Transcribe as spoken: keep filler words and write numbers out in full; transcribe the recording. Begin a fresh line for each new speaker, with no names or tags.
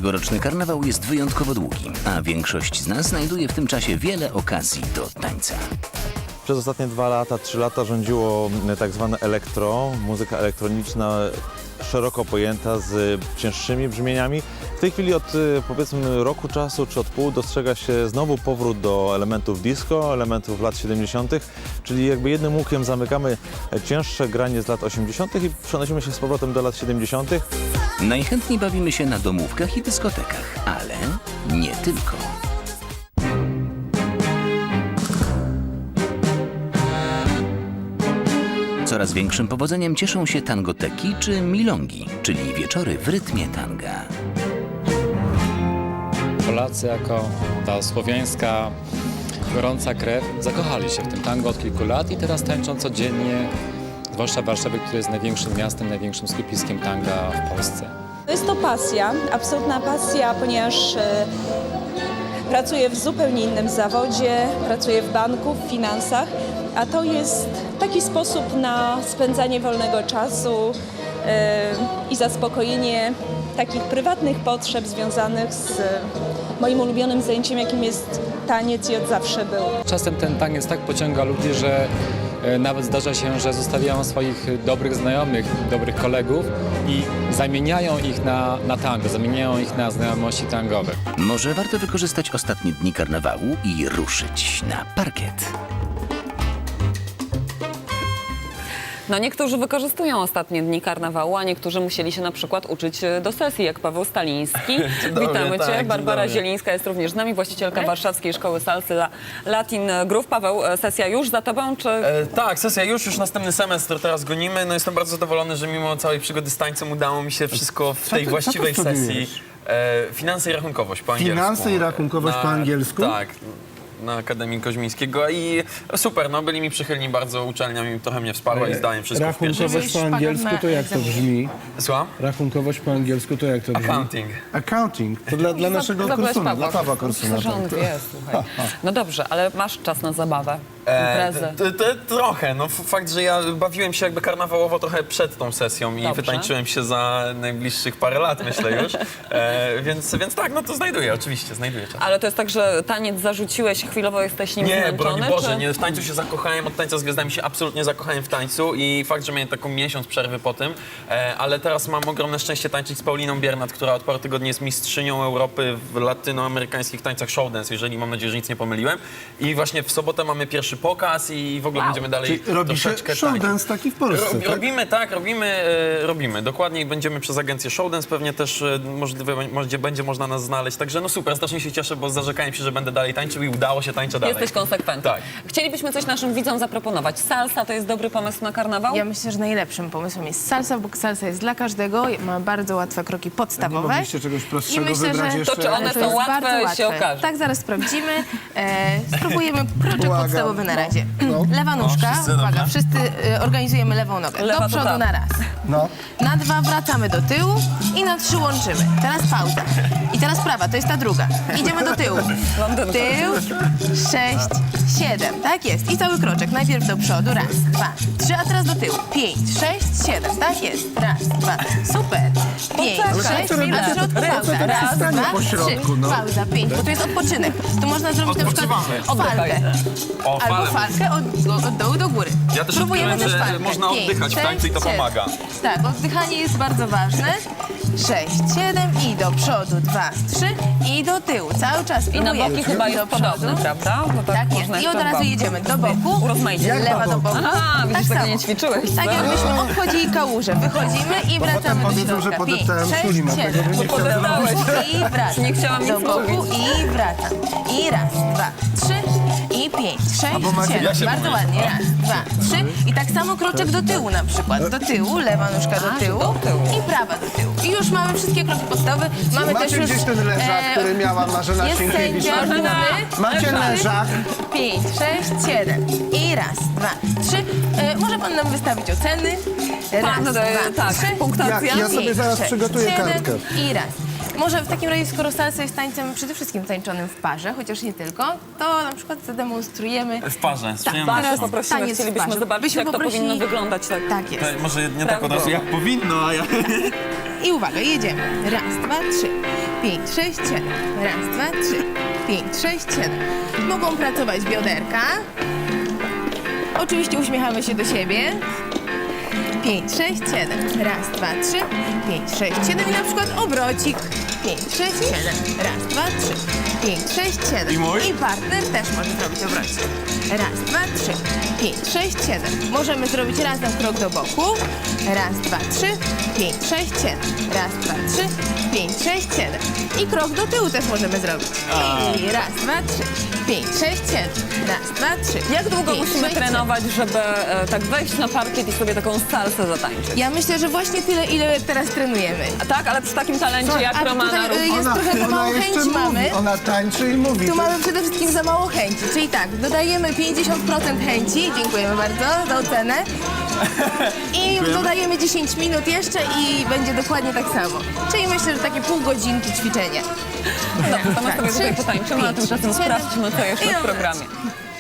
Tegoroczny karnawał jest wyjątkowo długi, a większość z nas znajduje w tym czasie wiele okazji do tańca.
Przez ostatnie dwa lata, trzy lata rządziło tak zwane elektro, muzyka elektroniczna szeroko pojęta z cięższymi brzmieniami. W tej chwili od powiedzmy roku czasu czy od pół dostrzega się znowu powrót do elementów disco, elementów lat siedemdziesiątych, czyli jakby jednym łukiem zamykamy cięższe granie z lat osiemdziesiątych i przenosimy się z powrotem do lat siedemdziesiątych.
Najchętniej bawimy się na domówkach i dyskotekach, ale nie tylko. Coraz większym powodzeniem cieszą się tangoteki czy milongi, czyli wieczory w rytmie tanga.
Polacy jako ta słowiańska, gorąca krew zakochali się w tym tango od kilku lat i teraz tańczą codziennie, zwłaszcza w Warszawie, które jest największym miastem, największym skupiskiem tanga w Polsce.
Jest to pasja, absolutna pasja, ponieważ e, pracuję w zupełnie innym zawodzie, pracuję w banku, w finansach, a to jest taki sposób na spędzanie wolnego czasu e, i zaspokojenie takich prywatnych potrzeb związanych z e, moim ulubionym zajęciem, jakim jest taniec i od zawsze był.
Czasem ten taniec tak pociąga ludzi, że e, nawet zdarza się, że zostawiają swoich dobrych znajomych, dobrych kolegów i zamieniają ich na, na tango, zamieniają ich na znajomości tangowe.
Może warto wykorzystać ostatnie dni karnawału i ruszyć na parkiet.
No niektórzy wykorzystują ostatnie dni karnawału, a niektórzy musieli się na przykład uczyć do sesji, jak Paweł Staliński. Witamy
tak,
Cię.
dzień
Barbara
dobry.
Zielińska jest również z nami, właścicielka Warszawskiej Szkoły Salsy Latin Groove. Paweł, sesja już za Tobą, czy...
E, tak, sesja już, już następny semestr teraz gonimy. No jestem bardzo zadowolony, że mimo całej przygody z tańcem udało mi się wszystko w
Co
tej
ty-
właściwej
co ty
sesji.
studiujesz?
E, finanse i rachunkowość po angielsku.
Finanse i rachunkowość po angielsku?
Tak. Na Akademii Koźmińskiego i super, no byli mi przychylni bardzo, uczelnia mi trochę mnie wsparła i zdałem wszystko w pierwszej.
Rachunkowość po angielsku to jak to brzmi?
Słucham?
Rachunkowość po angielsku to jak to brzmi?
Accounting.
Accounting. To dla, dla naszego
Zabrałeś
kursuna,
Pawła.
dla Pawła kursuna.
Myślę, że on
tak.
wie, słuchaj. No dobrze, ale masz czas na zabawę, imprezę.
t- t- trochę, no f- fakt, że ja bawiłem się jakby karnawałowo trochę przed tą sesją i
Dobrze.
wytańczyłem się za najbliższych parę lat, myślę już. E, więc, więc tak, no to znajduję, oczywiście, znajduję czas.
Ale to jest tak, że taniec zarzuciłeś, chwilowo jesteś nim
Nie,
zmęczony?
broń Boże,
czy...
nie, w tańcu się zakochałem, od tańca z gwiazdami się absolutnie zakochałem w tańcu i fakt, że miałem taką miesiąc przerwy po tym, e, ale teraz mam ogromne szczęście tańczyć z Pauliną Biernat, która od paru tygodni jest mistrzynią Europy w latynoamerykańskich tańcach showdance, jeżeli mam nadzieję, że nic nie pomyliłem. I właśnie w sobotę mamy pierwszy pokaz i w ogóle będziemy dalej
Czyli robi się
troszeczkę
show
tańczyć.
dance taki w Polsce,
Rob,
tak?
Robimy, tak, robimy, e, robimy. Dokładnie będziemy przez agencję Showdance, pewnie też e, możliwe, może, będzie można nas znaleźć. Także no super, strasznie się cieszę, bo zarzekałem się, że będę dalej tańczył i udało się, tańczę dalej.
Jesteś konsekwentny.
Tak.
Chcielibyśmy coś naszym widzom zaproponować. Salsa to jest dobry pomysł na karnawał?
Ja myślę, że najlepszym pomysłem jest salsa, bo salsa jest dla każdego, ma bardzo łatwe kroki
Nie
podstawowe.
mogliście czegoś
I
prostszego
myślę,
wybrać
że
jeszcze?
To czy one
to
są
jest
łatwe,
bardzo
się
łatwe.
okaże.
Tak, zaraz sprawdzimy. E, spróbujemy kroczek
Błagam.
podstawowy na razie.
No.
Lewa nóżka,
wszyscy
uwaga,
dobrze?
wszyscy e, organizujemy lewą nogę.
Lewa
Do
do
przodu
prawa.
na raz.
No.
Na dwa wracamy do tyłu i na trzy łączymy. Teraz pauza. I teraz prawa, to jest ta druga. Idziemy do tyłu.
Londyn.
Tył, sześć, siedem. Tak jest. I cały kroczek. Najpierw do przodu. Raz, dwa, trzy, a teraz do tyłu. Pięć, sześć, siedem. Tak jest. Raz, dwa. Super. Pięć,
Poczekaj,
sześć,
chwilę.
na środku
Po co
pauza.
tak
Raz,
stanie
dwa,
po środku,
trzy.
no?
Pauza, pięć, bo tu jest odpoczynek. Tu można zrobić na przykład
Odpoczywamy.
falkę.
O,
Albo
falę.
falkę od, od dołu do góry.
Ja też
Próbujemy
odkryłem,
też
że
falkę.
można
Pięć,
oddychać w
sześć,
tańcu i to
siedem.
pomaga.
Tak, oddychanie jest bardzo ważne. sześć, siedem i do przodu, dwa, trzy i do tyłu. Cały czas
I na
próbujemy.
boki chyba
Do
jest
przodu.
podobny, prawda? Bo
Tak
można
jest. I
jeszcze
od razu
dwa.
jedziemy do boku.
Urozmaicie. Jak
Lewa
do
do
boku?
boku.
Aha, widzisz, tego
samo.
nie ćwiczyłeś.
Tak jakbyśmy obchodzili kałużę. Wychodzimy i
Bo potem
wracamy do
powiedzą, że
środka.
podeptałem
Pięć,
szuli,
sześć,
dlatego
siedem.
nie chciałem
Podeptałeś.
I wracam.
Nie chciałam
do
nic
boku
mówić.
i wracam. I raz, dwa, trzy i pięć, sześć,
macie-
siedem.
Ja się
Bardzo
boję.
ładnie. Raz, dwa, trzy i tak samo kroczek do tyłu na przykład. Do tyłu, lewa nóżka do tyłu
do tyłu.
i prawa do tyłu. I już mamy wszystkie kroki podstawowe. Mamy też
Macie
już...
gdzieś ten leżak,
e,
który miała Marzena
jest
Sienkiewicz?
sędzia,
Marzena.
Macie leżak?
pięć, sześć, siedem. I raz, dwa, trzy. E, może pan nam wystawić oceny? Raz,
Pan, e,
dwa,
tak,
trzy.
punktacja.
Ja- ja sobie
pięć,
zaraz
sześć,
przygotuję
siedem
kartkę.
I raz. Może w takim razie, skoro salsa jest tańcem przede wszystkim tańczonym w parze, chociaż nie tylko, to na przykład zademonstrujemy.
W parze, z
Tak,
przyjemnością.
teraz
Poprosimy,
taniec w
chcielibyśmy
parze.
zobaczyć,
Byśmy
jak to
poprosili-
powinno wyglądać. Tak.
Tak jest.
To może nie tak od
Prawda.
razu jak powinno, a ja...
I uwaga, jedziemy. Raz, dwa, trzy, pięć, sześć, siedem. Raz, dwa, trzy, pięć, sześć, siedem. Mogą pracować bioderka. Oczywiście uśmiechamy się do siebie. pięć, sześć, siedem. Raz, dwa, trzy, pięć, sześć, siedem. I na przykład obrocik. pięć, sześć, siedem. Raz, dwa, trzy, pięć, sześć, siedem.
I mój?
I partner też może zrobić obrocik. Raz, dwa, trzy, pięć, sześć, siedem. Możemy zrobić razem krok do boku. Raz, dwa, trzy, pięć, sześć, siedem. Raz, dwa, trzy, pięć, sześć, siedem. I krok do tyłu też możemy zrobić. I raz, dwa, trzy, pięć, sześć, siedem. Raz, dwa, trzy.
Jak długo
pięć,
musimy
sześć,
trenować, żeby e, tak wejść na parkiet i sobie taką salsę zatańczyć?
siedem. Ja myślę, że właśnie tyle, ile teraz trenujemy.
A tak, ale przy takim talencie jak
a
Romana
tutaj,
Rób.
y, jest trochę za mało
jeszcze
chęci
mówi.
mamy.
Ona tańczy i mówi.
Tu
To-
mamy przede wszystkim za mało chęci, czyli tak, dodajemy pięćdziesiąt procent chęci, dziękujemy bardzo za ocenę. I dodajemy dziesięć minut jeszcze i będzie dokładnie tak samo. Czyli myślę, że takie pół godzinki ćwiczenia.
Dobrze, to my
Tak,
sobie tutaj
trzy,
potańczymy, a
pięć,
tymczasem
siedem.
sprawdźmy, co jeszcze
I
w
dobra.
programie.